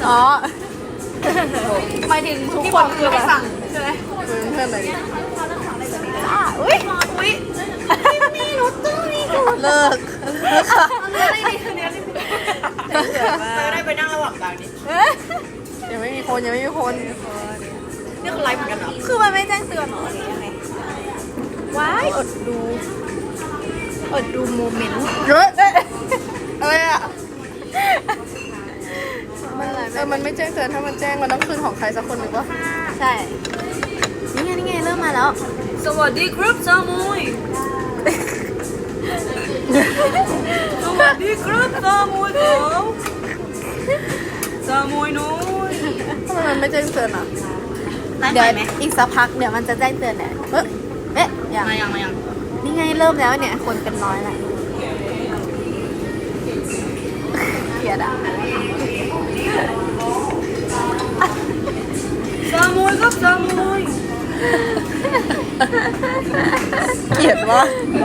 อ๋อหมายถึงทุกคนคือไม่สั่งใช่ไหมเพื่อนอะไรอุ้ยมีรถตู้มีกูเลิกค่ะเนื้ออะไรดีเนื้อไม่ได้ไปนั่งระหว่างกลางดิยังไม่มีคนยังไม่มีคนนี่คือไลฟ์เหมือนกันเหรอคือมันไม่แจ้งเตือนหรอหรือยังไงว้ายอดดูโมเมนต์เยอะอะไรอ่ะมันไม่แจ้งเตือนถ้ามันแจ้งมันต้องคืนของใครสักคนหนึ่งวะใช่นี่ไงเริ่มมาแล้วสวัสดีครับซามุยสวัสดีครับซามุยครับซามุยน้อยทำไมมันไม่แจ้งเตือนอ่ะเดี๋ยวอีกสักพักเดี๋ยวมันจะแจ้งเตือนแหละยัง นี่ไงเริ่มแล้วเนี่ยคนเป็นน้อยแหละเกลียดอ่ะซามุยครับซามุยเกลียดวะ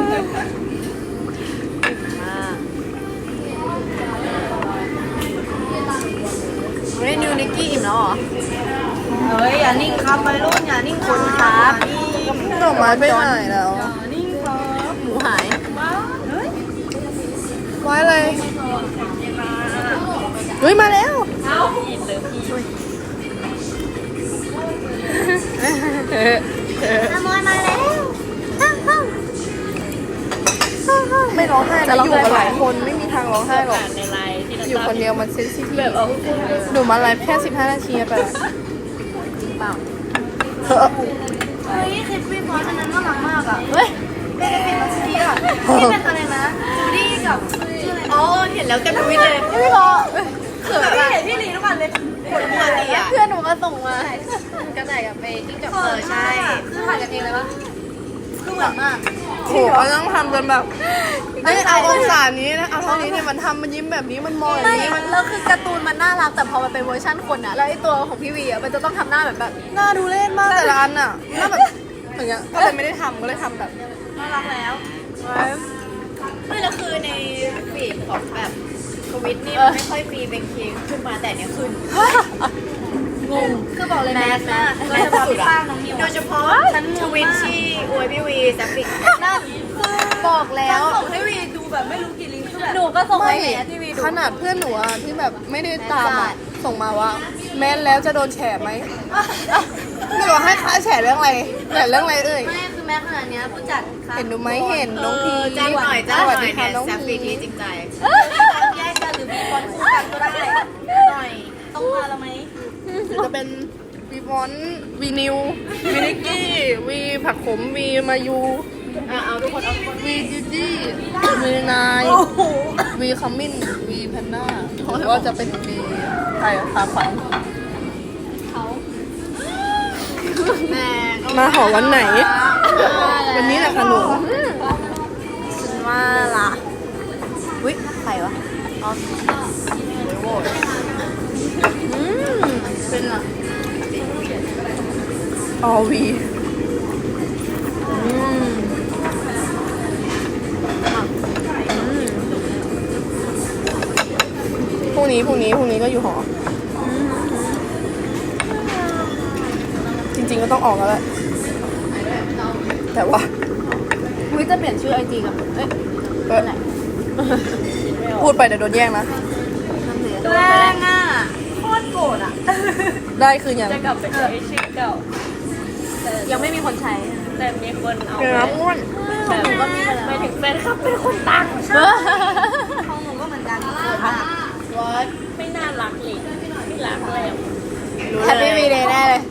ไม่ได้นิวนิกกี้อิ่มแล้วเหรอเฮ้ยอย่านิ่งครับไปรุ่นอย่านิ่งคนครับดอกไม้ไปไหนแล้วนิ่งครับหมูหายเฮ้ยไว้อะไรเฮ้ยมาแล้วอินเลยพี่ซามุยมาแล้วไม่ร้องไห้นะอยู่กันหลายคนไม่มีทางร้องไห้หรอกในไลน์ที่เราอยู่คนเดียวมันเซนซิทีฟแบบเอาหนูมาไลฟ์แค่15 นาทีไปละจริงเปล่าเฮ้ยเฮ้ยคลิปพี่พอสอันนั้นน่ารักมากอ่ะเฮ้ยเป็นคลิปมาซีอ่ะที่เป็นอะไรนะจูดี้กับชื่ออะไรอ๋อเห็นแล้วเต็มทวิตเลยพี่พอเขินอะเห็นพี่ลีทุกวันเลยคนปกติอ่ะเพื่อนหนูก็ส่งมาก็ไหนกับไปกิ้งกับใช่คือถ่ายกันเองเลยปะคือเหมือนมากโหเขาต้องทำจนแบบไม่เอาองศานี้นะเอาเท่านี้เนี่ยมันทำมันยิ้มแบบนี้มันมองอย่างนี้มันแล้วคือการ์ตูนมันน่ารักแต่พอมันเป็นเวอร์ชั่นคนอ่ะแล้วไอ้ตัวของพี่วีอ่ะมันจะต้องทำหน้าแบบน่าดูเล่นมากแต่ละอันอ่ะหน้าแบบอย่างเงี้ยก็เลยไม่ได้ทำก็เลยทำแบบน่ารักแล้วไม่แล้วคือในฟีดของแบบทวิตนี่มันไม่ค่อยมีเป็นคิงขึ้นมาแต่เนี้ยขึ้นงงคือบอกเลยแมสมากโดยเฉพาะพี่ป้างน้องนิวโดยเฉพาะฉันทวิตที่อวยพี่วีแซฟฟิกนั่นบอกแล้วส่งให้วีดูแบบไม่รู้กี่ลิงก์คือแบบหนูก็ส่งไม่ให้แมสที่วีดูขนาดเพื่อนหนูอะที่แบบไม่ได้ตามอะส่งมาว่า แม้นแล้วจะโดนแฉไหมหนูบอกให้ค้าแฉเรื่องอะไรแฉเรื่องอะไรเอ่ยไม่คือแม้ขนาดเนี้ยผู้จัดเห็นหนูไหมเห็นน้องพีจ้างหน่อยสวัสดีค่ะน้องแซฟพีฟิกที่จริงใจแยกกันหรือมีคนคู่กันก็ได้หน่อยต้องมาแล้วไหมจะเป็นวีวอนวีนิววีนิกกี้วีผักขมวีมายูเอาทุกคนเอาวีจิจี้วีนายวีคัมมินวีแพนด้าหรือว่าจะเป็นวีใครอะพาขวัญแม่มาหอวันไหน วันนี้แหละค่ะหนูฉันว่าล่ะวิใครวะอ๋อเป็นเหรอออวีพรุ่งนี้ก็อยู่หอ จริงๆก็ต้องออกแล้วแหละแต่ว่าวิจะเปลี่ยนชื่อไอจีกับเอ้ยเออพูดไปเดี๋ยวโดนแย่งนะแรงอ่ะโคตรโกรธอ่ะได้คืออย่างจะกลับไปใช้ชื่อเก่ายังไม่มีคนใช้แต่มีคนเอาเนื้อม้วนแบบก็มีไปแล้วไปถึงแฟนคลับเป็นคนตั้งของหนูก็เหมือนกันวอดไม่น่ารักเลยไม่รักแล้วแฮปปี้วีเดย์แน่เลย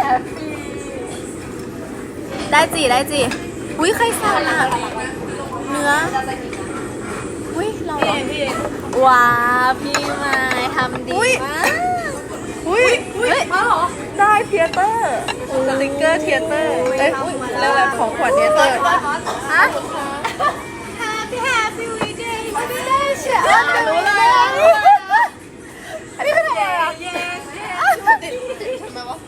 ได้จีอุ้ยใครสั่งอ่ะเนื้ออุ้ยเราเหรอพี่ว้าพี่มายทำดีมากอุ้ยเฮ้ยมาเหรอได้เทียเตอร์สติกเกอร์เทียเตอร์เอ้ยเรียกอะไรของขวัญเทียเตอร์ฮะ Happy We Day ไม่ได้เชียรู้เลย อันนี้คืออะไรอ่ะทำไมวะ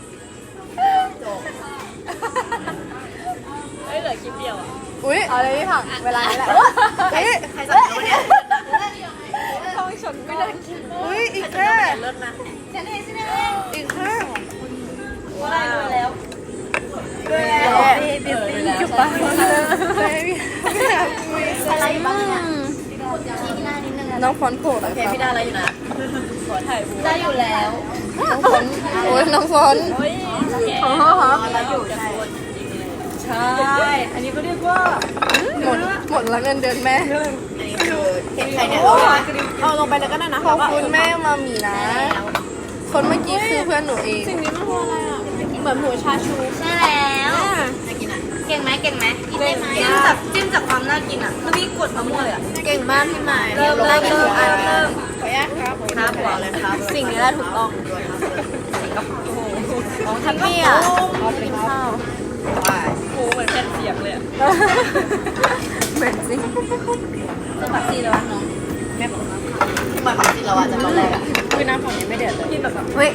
เฮ้ยเหลือคลิปเดียวอ่ะอุ้ยเอาเลยพี่ผักเวลานี้แหละอุ้ยใครสั่งเนี่ยต้องชนไม่ได้กินอุ้ยอีกแค่เลิศนะอีกข้างว่าได้เลยแล้วจุ๊บปะไม่อยากคุยอะไรบ้างเนี่ยชี้หน้านิดนึงน้องฟอนต์โผล่หน่อยโอเคค่ะพี่ได้อะไรอยู่นะขอถ่ายบูธได้อยู่แล้วน้องฟอนต์โอ้ยน้องฟอนต์โอ้ยแกได้อยู่ใช่ใช่อันนี้ก็เรียกว่าหมดละเงินเดือนแม่อันนี้คือเห็นใครเนี่ยเอาลงไปเลยก็ได้นะขอบคุณแม่มามีนะ คนเมื่อกี้คือเพื่อนหนูเองสิ่งนี้มันคืออะไรอ่ะเหมือนหมูชาชูใช่แล้วน่ากินอ่ะเก่งไหมกินจากความน่ากินอ่ะมันมีกดมะม่วงเลยอ่ะเก่งมากพี่ใหม่เริ่มได้กินทุกอันเริ่มขออนุญาตครับครับบอกเลยครับ สิ่งนี้ได้ถูกต้องของทัพพี่อ่ะเอาไปกินข้าวโอ้เหมือนแผ่นเสียงเลยอ่ะเหม็นสิจะปักซีเลยวะน้องเหมือนผักที่เราอ่ะจากตอนแรกอ่ะคือน้ำของนี้ไม่เดือดเลยกินแบบเฮ้ย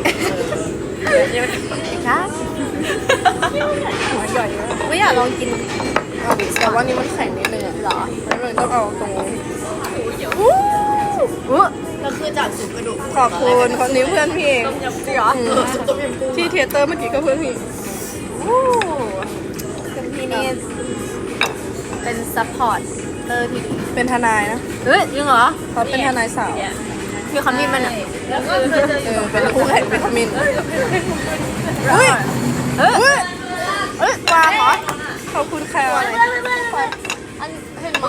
ครับหัวใหญ่มากไม่อยากลองกินเอาดิแต่ว่านี่มันแข็งนิดนึงอะเหรอแล้วมันต้องเอาตรงอู้หูก็คือจากสุกกระดูกขอบคุณคนนี้เพื่อนพี่เองต้มยำจริงเหรอสุกต้มยำกุ้งที่เทเตอร์เมื่อกี้ก็เพื่อนพี่อู้คุณพี่นี่เป็นซัพพอร์ตเตอร์ที่ดีเป็นทนายนะเฮ้ยจริงเหรอเขาเป็นทนายสาวพี่คำนี้มันอ่ะแล้วก็เคยเจอเป็นคู่แข่งวิตามินเฮ้ยเฮ้ยเฮ้ยวางเหรอขอบคุณค่ะอันเห็นไหม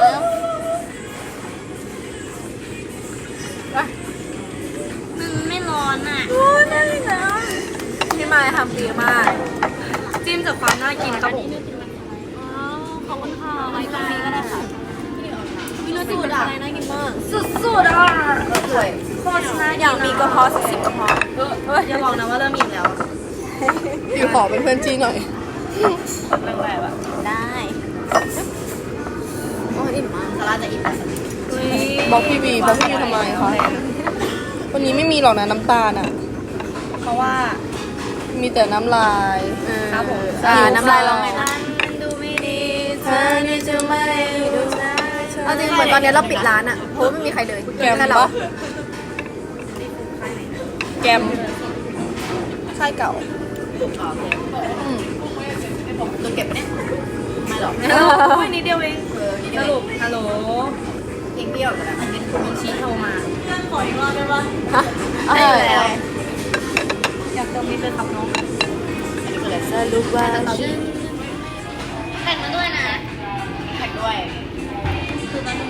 มันไม่ร้อนอ่ะพี่มายทำดีมากจิ้มจากความน่ากินครับผมขอบคุณค่ะไว้ตรงนี้ก็ได้ค่ะมีรสสูตรอะไรน่ากินมากสุดๆอ่ะสวยโคตรน่ากินอยากมีกระเพาะสัก10กระเพาะอย่าบอกนะว่าเริ่มอิ่มแล้วอยู่ขอเป็นเพื่อนจีหน่อยแปลกๆแบบได้โอ้อิ่มมากซาร่าจะอิ่มแล้วบอกพี่บีบอกพี่บีทำไมคะวันนี้ไม่มีหรอกนะน้ำตาลอ่ะเพราะว่ามีแต่น้ำลายครับผมน้ำลายร้องไงนะมันดูไม่ดีเธอนี่จะไม่ดูเอาจริงเหมือนตอนนี้เราปิดร้านอ่ะเพราะว่าไม่มีใครเลยแกมค่เราปะแกมค่ายเก่าต้องเก็บไหมเนี่ยไม่หรอกโอ้ยนิดเดียวเองสรุปฮัลโหลเพียงเดียวแต่อันนี้มีชี้โทรมาขออีกรอบได้ปะได้อยู่แล้วอยากเติมนิดเลยครับน้องอันนี้ก็เลยสรุปว่าฉันแต่งมาด้วยนะแท็กด้วยคือตอนนี้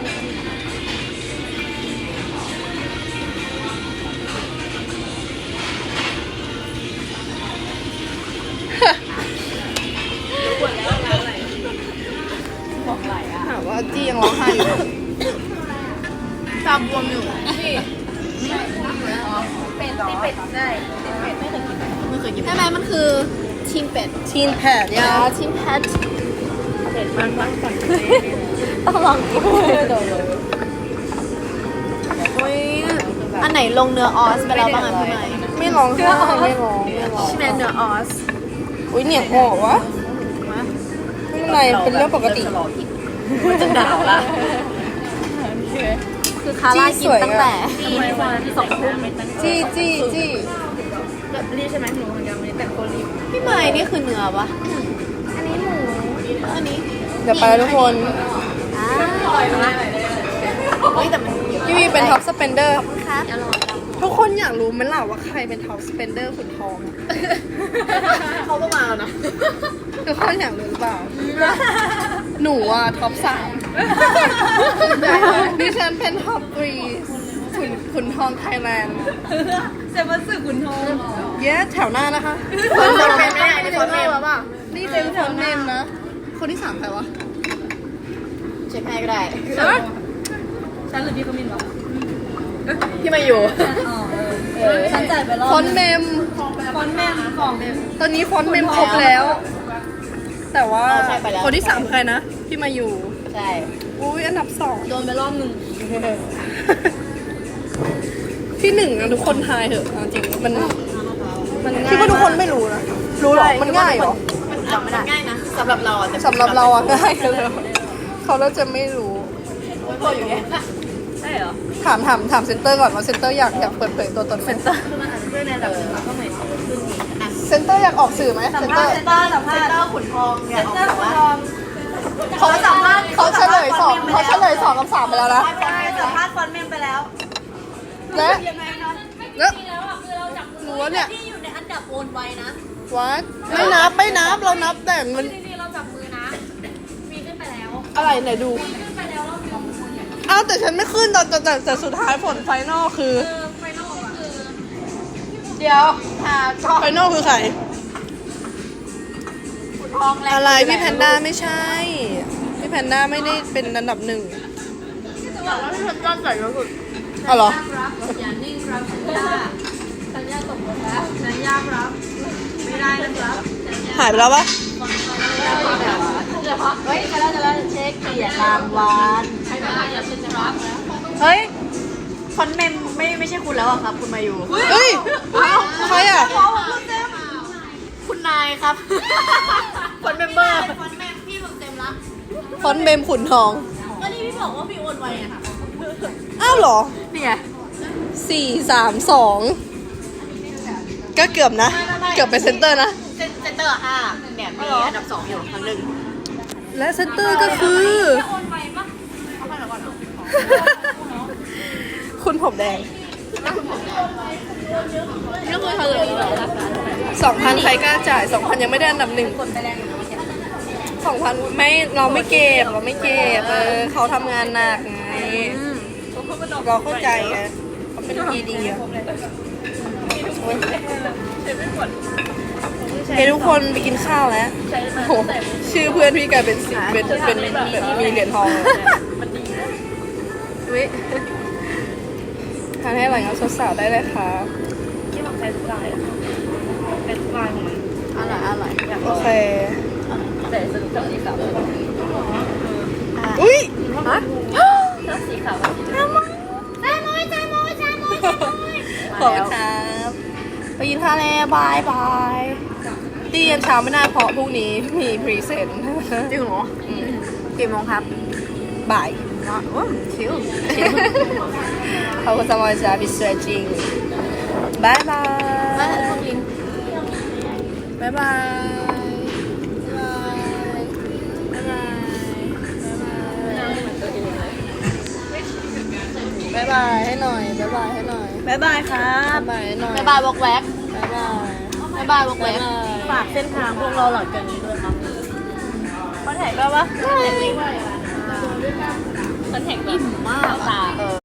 ถามว่าจี้ยังร้องไห้อยู่ไหมตาบวมอยู่นี่เป็ดที่เป็ดได้เป็ดไม่เคยกินไม่เคยกินใช่ไหมมันคือทีมเป็ดทีนแพดยาทีมแพทเป็ดมันพักก่อนต้องลองกินโอ้ยอันไหนลงเนื้อออสไปแล้วบ้างอ่ะพี่ใหม่ไม่ร้องไห้ไม่ร้องไม่ร้องใช่ไหมเนื้อออสอุ้ยเหนียงออกวะไม่เป็นไรเป็นเรื่องปกติมันจะหนาวละคือคาร่ากินตั้งแต่ทำไมวันที่2 ทุ่มจี้จี้จี้รีบใช่ไหมหนูเหมือนกันวันนี้แต่งตัวรีบพี่ใหม่นี่คือเนื้อปะอันนี้หมูอันนี้เดี๋ยวไปแล้วทุกคนอร่อยมากเฮ้ยแต่มันเยอะพี่วีเป็นท็อปสเปนเดอร์ครับอร่อยทุกคนอยากรู้ไหมล่ะว่าใครเป็นท็อปสเปนเดอร์ขุนทองอะเขาก็มาแล้วนะทุกคนอยากรู้หรือเปล่า หนูอ่ะท็อป 3ดิฉันเป็นท็อป3ขุนทองไทยแลนด์จะมาสื่อขุนทองเย้แถวหน้านะคะคนเป็นไม่ได้ในคนเมมป่ะนี่เป็นคนเนมนะ คนที่ 3ใครวะเช็คให้ก็ได้ฉันหรือพี่ขมินวะที่มาอยู่ฉันจ่ายไปรอบฟอนต์เมมฟอนต์แม่ของเมมตอนนี้ฟอนต์เมมครบแล้ว แต่ว่าคนที่ 3ใครนะ ที่มาอยู่ใช่อุ้ยอันดับโดนไปรอบหนึ่ง 2 ที่1นะทุกคนทายเถอะเอาจริงมันคิดว่าทุกคนไม่รู้นะ รู้หรอ มันง่ายเหรอมันจำไม่ได้ง่ายนะสำหรับเราอ่ะแต่สำหรับเราอะง่ายเลยเขาเราจะไม่รู้โอ้ยพออยู่เนี่ยใช่ช่เหรอถามเซนเตอร์ก่อนว่าเซนเตอร์อยากเปิดเผยตัวตนไหมคือมันอาจจะด้วยในระดับหนึ่งแล้วก็เหมือนขึ้นอีกอ่ะเซนเตอร์อยากออกสื่อไหมสัมเซนภาเตอษร์ณ์เซนเตอร์สัมภาษณ์เตอร์ขุนทองเนี่ยเซนเตอร์คุณทอมเขาสัมภาษณ์เขาเฉลยสองกับสามไปแล้วนะใช่สัมภาษณ์ฟอนต์เมมไปแล้วและยังไงคะแล้วรู้ว่าเนี่ยที่อยู่ในอันดับโอนไว้นะวัดไม่นับเรานับแต่มันจริงๆเราจับมือนะ มีขึ้นไปแล้วอะไรไหนดูขึ้นไปแล้วรอบเดียวอ้าวแต่ฉันไม่ขึ้นแต่สุดท้ายผลไฟนอลคือไฟนอลก็คือเดี๋ยวหาช่องไฟนอลคือใครขุนทองแล้วอะไรพี่แพนด้าไม่ใช่ พี่แพนด้าไม่ได้เป็นอันดับหนึ่งแล้วที่ฉันตั้งใจก็คืออ๋อเหรอรับอย่านิ่งรับสัญญาสัญญาตกลงแล้วสัญญารับไม่ได้นะครับหายไปแล้วปะเฮ้ยจะแล้วเช็คเกียรติรางวัลใช้เวลาอย่าเซ็นจะรับแล้วเฮ้ยฟอนต์เมมไม่ใช่คุณแล้วอะครับ คุณมาอยู่เฮ้ยใครอ่ะคุณนายครับฟอนต์เมมเบอร์ฟอนต์เมมพี่เต็มละฟอนต์เมมขุนทองก็นี่พี่บอกว่าพี่โอนไว้อะค่ะอ้าวเหรอนี่ไง 4-3-2 ก็เกือบนะ เกือบเป็นเซนเตอร์นะเซนเตอร์5เนี่ยมีอันดับ2อยู่ครั้งหนึ่งและเซนเตอร์ก็คือโอนไปปะเอาไปแล้วก่อนเนาะคุณผมแดงนี่ก็คือเธอเลยเหรอ 2,000 ใครกล้าจ่าย 2,000 ยังไม่ได้อันดับหนึ่ง 2,000 ไม่เราไม่เก็บเขาทำงานหนักไงเราเข้าใจไงเขาเป็นพีดีอะโอ๊ยเฮ้ยทุกคนไปกินข้าวแล้วโอ้โหชื่อเพื่อนพี่กลายเป็นเป็นแบบมีเหรียญทองเลยวิทานให้อร่อยครับสาวๆได้เลยค่ะที่บอกใช้ทุกลายเป็นทุกลายของมันอร่อยโอเคแต่สนุกกับสีขาวอุ้ยถ้าสีขาวขอบคุณครับไปกินข้าวแล้วบายบายตียันเช้าไม่น่าเพราะพรุ่งนี้มีพรีเซนต์จริงเหรอกี่โมงครับบ่ายชิวขอบคุณสมอยจ้าบิสเตอร์จริงบายบายบายบายบายบายให้หน่อยบายบายให้หน่อยบ๊ายบายครับบายบายให้หน่อยบ๊ายบายวอกแวกบายบายบ๊ายบายวอกแวบายกบายฝากเส้นทางพวกเราหลังจากนี้ด้วยครับคอนแทคได้ปะคอนแทคลิงก์คอนแทคอิ่มมากตา